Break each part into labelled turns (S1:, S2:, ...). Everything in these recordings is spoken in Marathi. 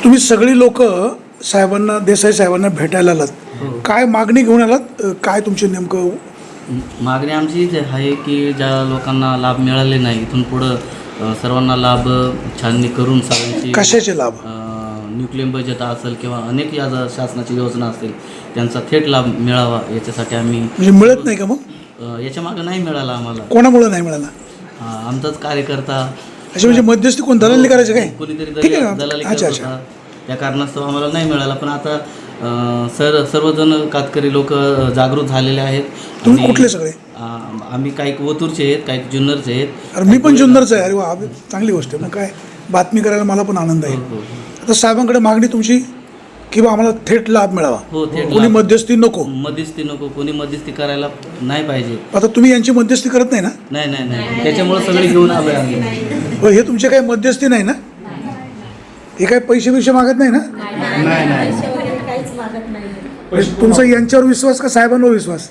S1: तुम्ही सगळी लोक साहेबांना, देसाई साहेबांना भेटायला आलात, काय मागणी घेऊन आलात? काय तुमची नेमकं
S2: मागणी आमची हीच आहे की ज्या लोकांना लाभ मिळाले नाही इथून पुढं सर्वांना लाभ छाननी करून सगळ्यांची
S1: कशाचे लाभ?
S2: न्यूक्लियम बजेट असेल किंवा अनेक या शासनाची योजना असेल त्यांचा थेट लाभ मिळावा याच्यासाठी आम्ही
S1: म्हणजे मिळत नाही का? मग
S2: याच्या मागं नाही मिळाला आम्हाला.
S1: कोणामुळे नाही मिळाला?
S2: आमचाच कार्यकर्ता
S1: असे म्हणजे मध्यस्थी कोण दलाली करायचे काय?
S2: कोणीतरी
S1: ठीक आहे.
S2: दलाली
S1: अच्छा
S2: करत
S1: अच्छा.
S2: होता. त्या कारणास्तव आम्हाला नाही मिळाला. पण आता सर्वजण कातकरी लोक जागृत झालेले आहेत.
S1: तुम्ही कुठले सगळे?
S2: आम्ही काही ओतूरचे आहेत, काही जुन्नरचे आहेत.
S1: अरे मी पण जुन्नरचा आहे. अरे वा, चांगली गोष्ट आहे. मग काय बातमी करायला मला पण आनंद आहे. आता साहेबांकडे मागणी तुमची की बा आम्हाला थेट लाभ मिळावा,
S2: हो, थेट
S1: कोणी
S2: लाभ.
S1: मध्यस्थी नको.
S2: मध्यस्थी नको, कोणी मध्यस्थी करायला नाही पाहिजे.
S1: आता तुम्ही यांची मध्यस्थी करत नाही ना?
S2: नाही नाही नाही त्याच्यामुळे सगळे घेऊन आलो आम्ही.
S1: हो, हे तुमचे काही मध्यस्थी नाही ना? हे काही पैसे बिशे मागत नाही ना? तुमचा यांच्यावर विश्वास का साहेबांवर विश्वास?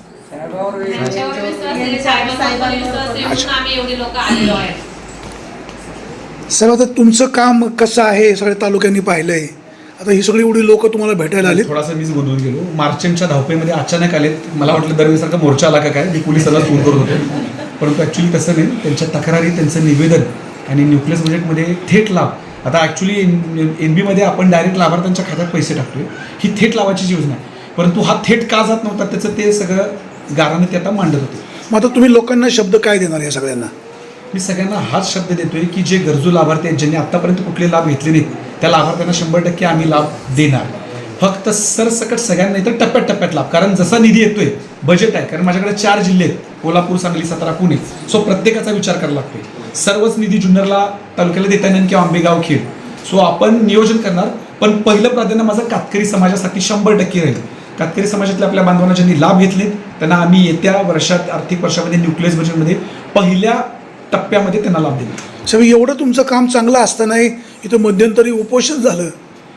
S1: साहेब, आता तुमचं काम कसं आहे सगळ्या तालुक्यांनी पाहिलंय. आता ही सगळी एवढी लोक तुम्हाला भेटायला आली.
S3: थोडासा मीच गोंधळून गेलो. मार्चच्या धावपळीमध्ये अचानक आलेत. मला वाटलं दरवेळेसारखा मोर्चा आला का काय, मी पोलिसाला फोन करत होतो. परंतु ॲक्च्युली तसं नाही. त्यांच्या तक्रारी, त्यांचं निवेदन आणि न्यूक्लियस बजेटमध्ये थेट लाभ. आता ॲक्च्युली NB मध्ये आपण डायरेक्ट लाभार्थ्यांच्या खात्यात पैसे टाकतोय. ही थेट लाभाची योजना आहे. परंतु हा थेट का जात नव्हता त्याचं ते सगळं गाराने ते आता मांडत होते.
S1: मग आता तुम्ही लोकांना शब्द काय देणार या सगळ्यांना?
S3: मी सगळ्यांना हाच शब्द देतोय की जे गरजू लाभार्थी आहेत, ज्यांनी आत्तापर्यंत कुठले लाभ घेतले नाहीत, त्या लाभार्थ्यांना 100% आम्ही लाभ देणार. फक्त सरसकट सगळ्यांना नाही तर टप्प्यात लाभ. कारण जसा निधी येतोय, बजेट आहे. कारण माझ्याकडे 4 जिल्हे आहेत, कोल्हापूर, सांगली, सातारा, पुणे. सो प्रत्येकाचा विचार करावा लागतोय. सर्वच निधी जुन्नरला तालुक्याला देता येणार किंवा आंबेगाव, खेड. सो आपण नियोजन करणार. पण पहिलं प्राधान्य माझं कातकरी समाजासाठी 100% राहील. कातकरी समाजातल्या आपल्या बांधवांना ज्यांनी लाभ घेतले त्यांना आम्ही येत्या वर्षात, आर्थिक वर्षामध्ये न्यूक्लियस बजेटमध्ये पहिल्या टप्प्यामध्ये त्यांना लाभ दिला.
S1: साहेब, एवढं तुमचं काम चांगलं असतानाही इथं मध्यंतरी उपोषण झालं.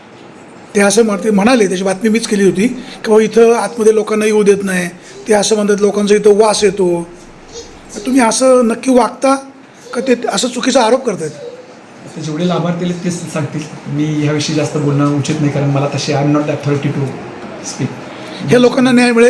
S1: ते असं म्हणाले, त्याची बातमी मीच केली होती की बाबा इथं आतमध्ये लोकांना येऊ देत नाही. ते असं म्हणतात लोकांचा इथं वास येतो. तुम्ही असं नक्की वागता का ते असं चुकीचा आरोप करतायत?
S3: आता जेवढे लाभार्थी आहेत तेच सांगतील. मी ह्याविषयी जास्त बोलणं उचित नाही. कारण मला तसे I am not authority to speak.
S1: हे लोकांना न्याय मिळेल?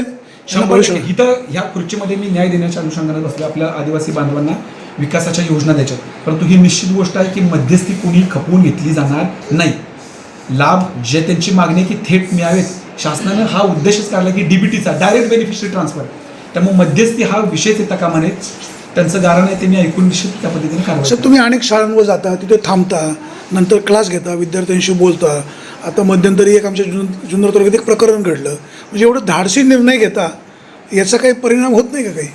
S3: इथं ह्या खुर्चीमध्ये मी न्याय देण्याच्या अनुषंगाने बसलो. आपल्या आदिवासी बांधवांना विकासाच्या योजना द्यायच्या. परंतु ही निश्चित गोष्ट आहे की मध्यस्थी कोणी खपवून घेतली जाणार नाही. लाभ जे त्यांची मागणी आहे की थेट मिळावेत. शासनानं हा उद्देशच काढला की DBTचा डायरेक्ट बेनिफिशरी ट्रान्सफर. त्यामुळे मध्यस्थी हा विषयच येता कामा नये. त्यांचं गारण आहे ते मी ऐकून निश्चित त्या पद्धतीने कारवाई.
S1: सर, तुम्ही अनेक शाळांवर जाता, तिथे थांबता, नंतर क्लास घेता, विद्यार्थ्यांशी बोलता. आता मध्यंतरी एक आमच्या जुन्नर तालुक्यात एक प्रकरण घडलं. म्हणजे एवढं धाडसी निर्णय घेता, याचा काही परिणाम होत नाही का काही?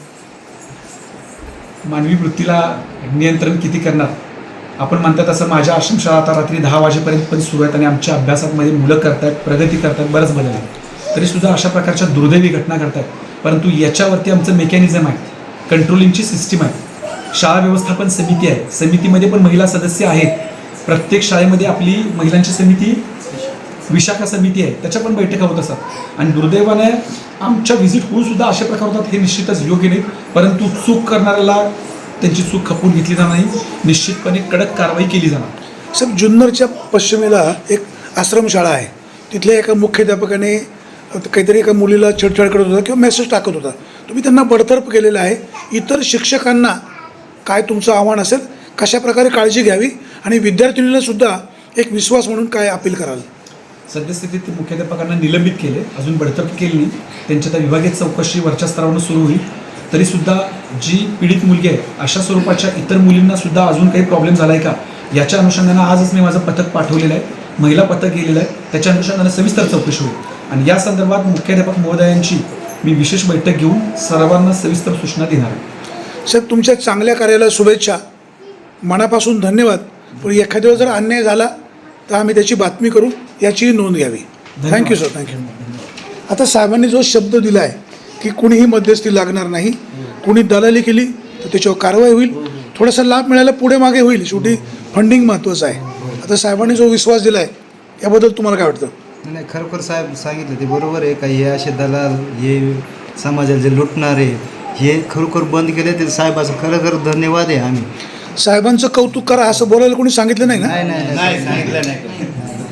S3: मानवी वृत्तीला नियंत्रण किती करणार? आपण म्हणतात तसं माझ्या आश्रमशाळा आता रात्री 10 वाजेपर्यंत पण सुरू आहेत आणि आमच्या अभ्यासामध्ये मुलं करतायत, प्रगती करतात, बरंच बदल आहे. तरीसुद्धा अशा प्रकारच्या दुर्दैवी घटना घडतात. परंतु याच्यावरती आमचं मेकॅनिझम आहे, कंट्रोलिंगची सिस्टीम आहे. शाळा व्यवस्थापन समिती आहे, समितीमध्ये पण महिला सदस्य आहेत. प्रत्येक शाळेमध्ये आपली महिलांची समिती, विशाखा समिती आहे, त्याच्या पण बैठका होत असतात. आणि दुर्दैवाने आमच्या व्हिजिट होऊन सुद्धा अशा प्रकार होतात, हे निश्चितच योग्य नाही. परंतु चूक करणाऱ्याला त्यांची चूक खपवून घेतली जाणार नाही. निश्चितपणे कडक कारवाई केली जाणार.
S1: साहेब, जुन्नरच्या पश्चिमेला एक आश्रमशाळा आहे. तिथल्या एका मुख्याध्यापकाने काहीतरी एका मुलीला छेडछाड करत होता किंवा मेसेज टाकत होता. तुम्ही त्यांना बडतर्फ केलेलं आहे. इतर शिक्षकांना काय तुमचं आव्हान असेल, कशा प्रकारे काळजी घ्यावी आणि विद्यार्थिनीला सुद्धा एक विश्वास म्हणून काय अपील कराल?
S3: सद्यस्थितीत मुख्याध्यापकांना निलंबित केले, अजून बडतर्फ केली नाही. त्यांच्या त्या विभागीय चौकशी वरच्या स्तरावरून सुरू होईल. तरीसुद्धा जी पीडित मुलगी आहे अशा स्वरूपाच्या इतर मुलींना सुद्धा अजून काही प्रॉब्लेम झाला आहे का, याच्या अनुषंगानं आजच मी माझं पथक पाठवलेलं आहे, महिला पथक गेलेलं आहे. त्याच्या अनुषंगानं सविस्तर चौकशी होईल. आणि या संदर्भात मुख्याध्यापक महोदयांची मी विशेष बैठक घेऊन सर्वांना सविस्तर सूचना देणार आहे.
S1: साहेब, तुमच्या चांगल्या कार्याला शुभेच्छा, मनापासून धन्यवाद. पण एखाद्या वेळेस जर अन्याय झाला तर आम्ही त्याची बातमी करू, याची नोंद घ्यावी. Thank you sir, thank you. आता साहेबांनी जो शब्द दिला आहे की कुणीही मध्यस्थी लागणार नाही, कुणी दलाली केली तर त्याच्यावर कारवाई होईल. थोडासा लाभ मिळायला पुढे मागे होईल, शेवटी फंडिंग महत्त्वाचं आहे. आता साहेबांनी जो विश्वास दिला आहे याबद्दल तुम्हाला काय वाटतं?
S4: नाही, खरोखर साहेब सांगितलं ते बरोबर आहे. का हे असे दलाल, हे समाजाला जे लुटणारे, हे खरोखर बंद केले ते साहेबाचं खरोखर धन्यवाद आहे. आम्ही
S1: साहेबांचं कौतुक करा असं बोलायला कोणी सांगितलं नाही ना?
S4: नाही सांगितलं नाही.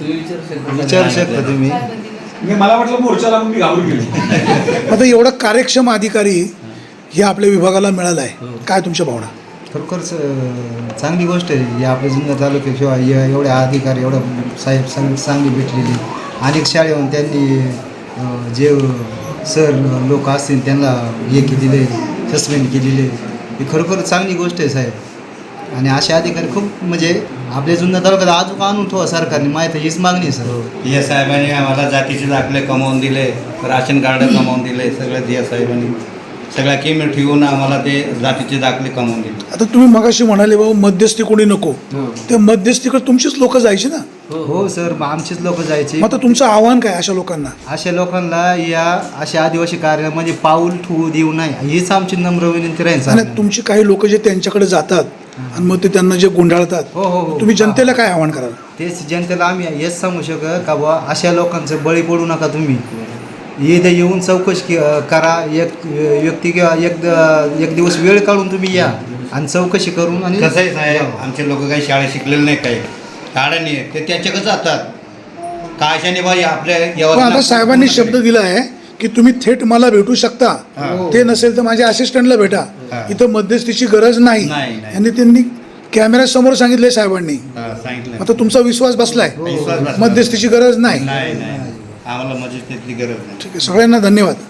S4: विचारू शकता तुम्ही.
S3: मला वाटलं मोर्चाला मग मी घाबरून गेलो.
S1: आता एवढा कार्यक्षम अधिकारी हे आपल्या विभागाला मिळाला आहे, काय तुमच्या भावना?
S4: खरोखरच चांगली गोष्ट आहे ही आपल्या जुन्नर तालुक्यात किंवा एवढे अधिकारी एवढं साहेब चांगली भेटलेली. अनेक शाळेहून त्यांनी जे सर लोक असतील त्यांना हे केलेले सस्पेंड केलेले, ही खरोखर चांगली गोष्ट आहे साहेब. आणि असे अधिकारी खूप म्हणजे आपल्या जुन्नर तालुक्यात अजून आणून ठेवा सरकारने, माहिती हीच मागणी आहे सर.
S5: या साहेबांनी आम्हाला जातीचे दाखले कमावून दिले, राशन कार्ड कमावून दिले, सगळं दिया साहेबांनी सगळ्या किम ठेवून आम्हाला ते जातीचे दाखले कमावून दिले.
S1: आता तुम्ही मगाशी म्हणाले बाबा मध्यस्थी कोणी नको, ते मध्यस्थीकडे तुमचीच लोक जायची ना?
S4: हो सर, मग आमचीच लोक जायचे.
S1: मग आता तुमचं आव्हान काय अशा लोकांना?
S4: अशा लोकांना या अशा आदिवासी कार्यामध्ये पाऊल ठेवू देऊ नये हीच आमची नम्र विनंती राहील
S1: आणि
S4: सर.
S1: तुमची काही लोक जे त्यांच्याकडे जातात आणि मग ते त्यांना जे गुंडाळतात,
S4: हो हो हो,
S1: तुम्ही जनतेला काय आव्हान कराल?
S4: तेच जनतेला आम्ही हेच सांगू शकत का बुवा अशा लोकांचं बळी पडू नका तुम्ही. इथे येऊन चौकशी करा, एक व्यक्ती किंवा एक दिवस वेळ काढून तुम्ही या आणि चौकशी करून. आणि
S5: कसं आहे साहेब, आमचे लोक काही शाळेत शिकलेले नाही, काही काढाने ते त्यांच्याकडे जातात काशाने बाई आपल्या
S1: पण आता
S5: यवतमाळ
S1: साहेबांनी शब्द दिला आहे की तुम्ही थेट मला भेटू शकता, ते नसेल तर माझ्या असिस्टंटला भेटा, इथं मध्यस्थीची गरज नाही.
S5: नाही.
S1: आणि त्यांनी कॅमेऱ्यासमोर सांगितले साहेबांनी.
S5: सांगितलं
S1: आता तुमचा विश्वास बसलाय,
S5: विश्वास बसला.
S1: मध्यस्थीची गरज नाही.
S5: नाही आम्हाला मजेत त्यातली गरज नाही.
S1: ठीक आहे, सगळ्यांना धन्यवाद.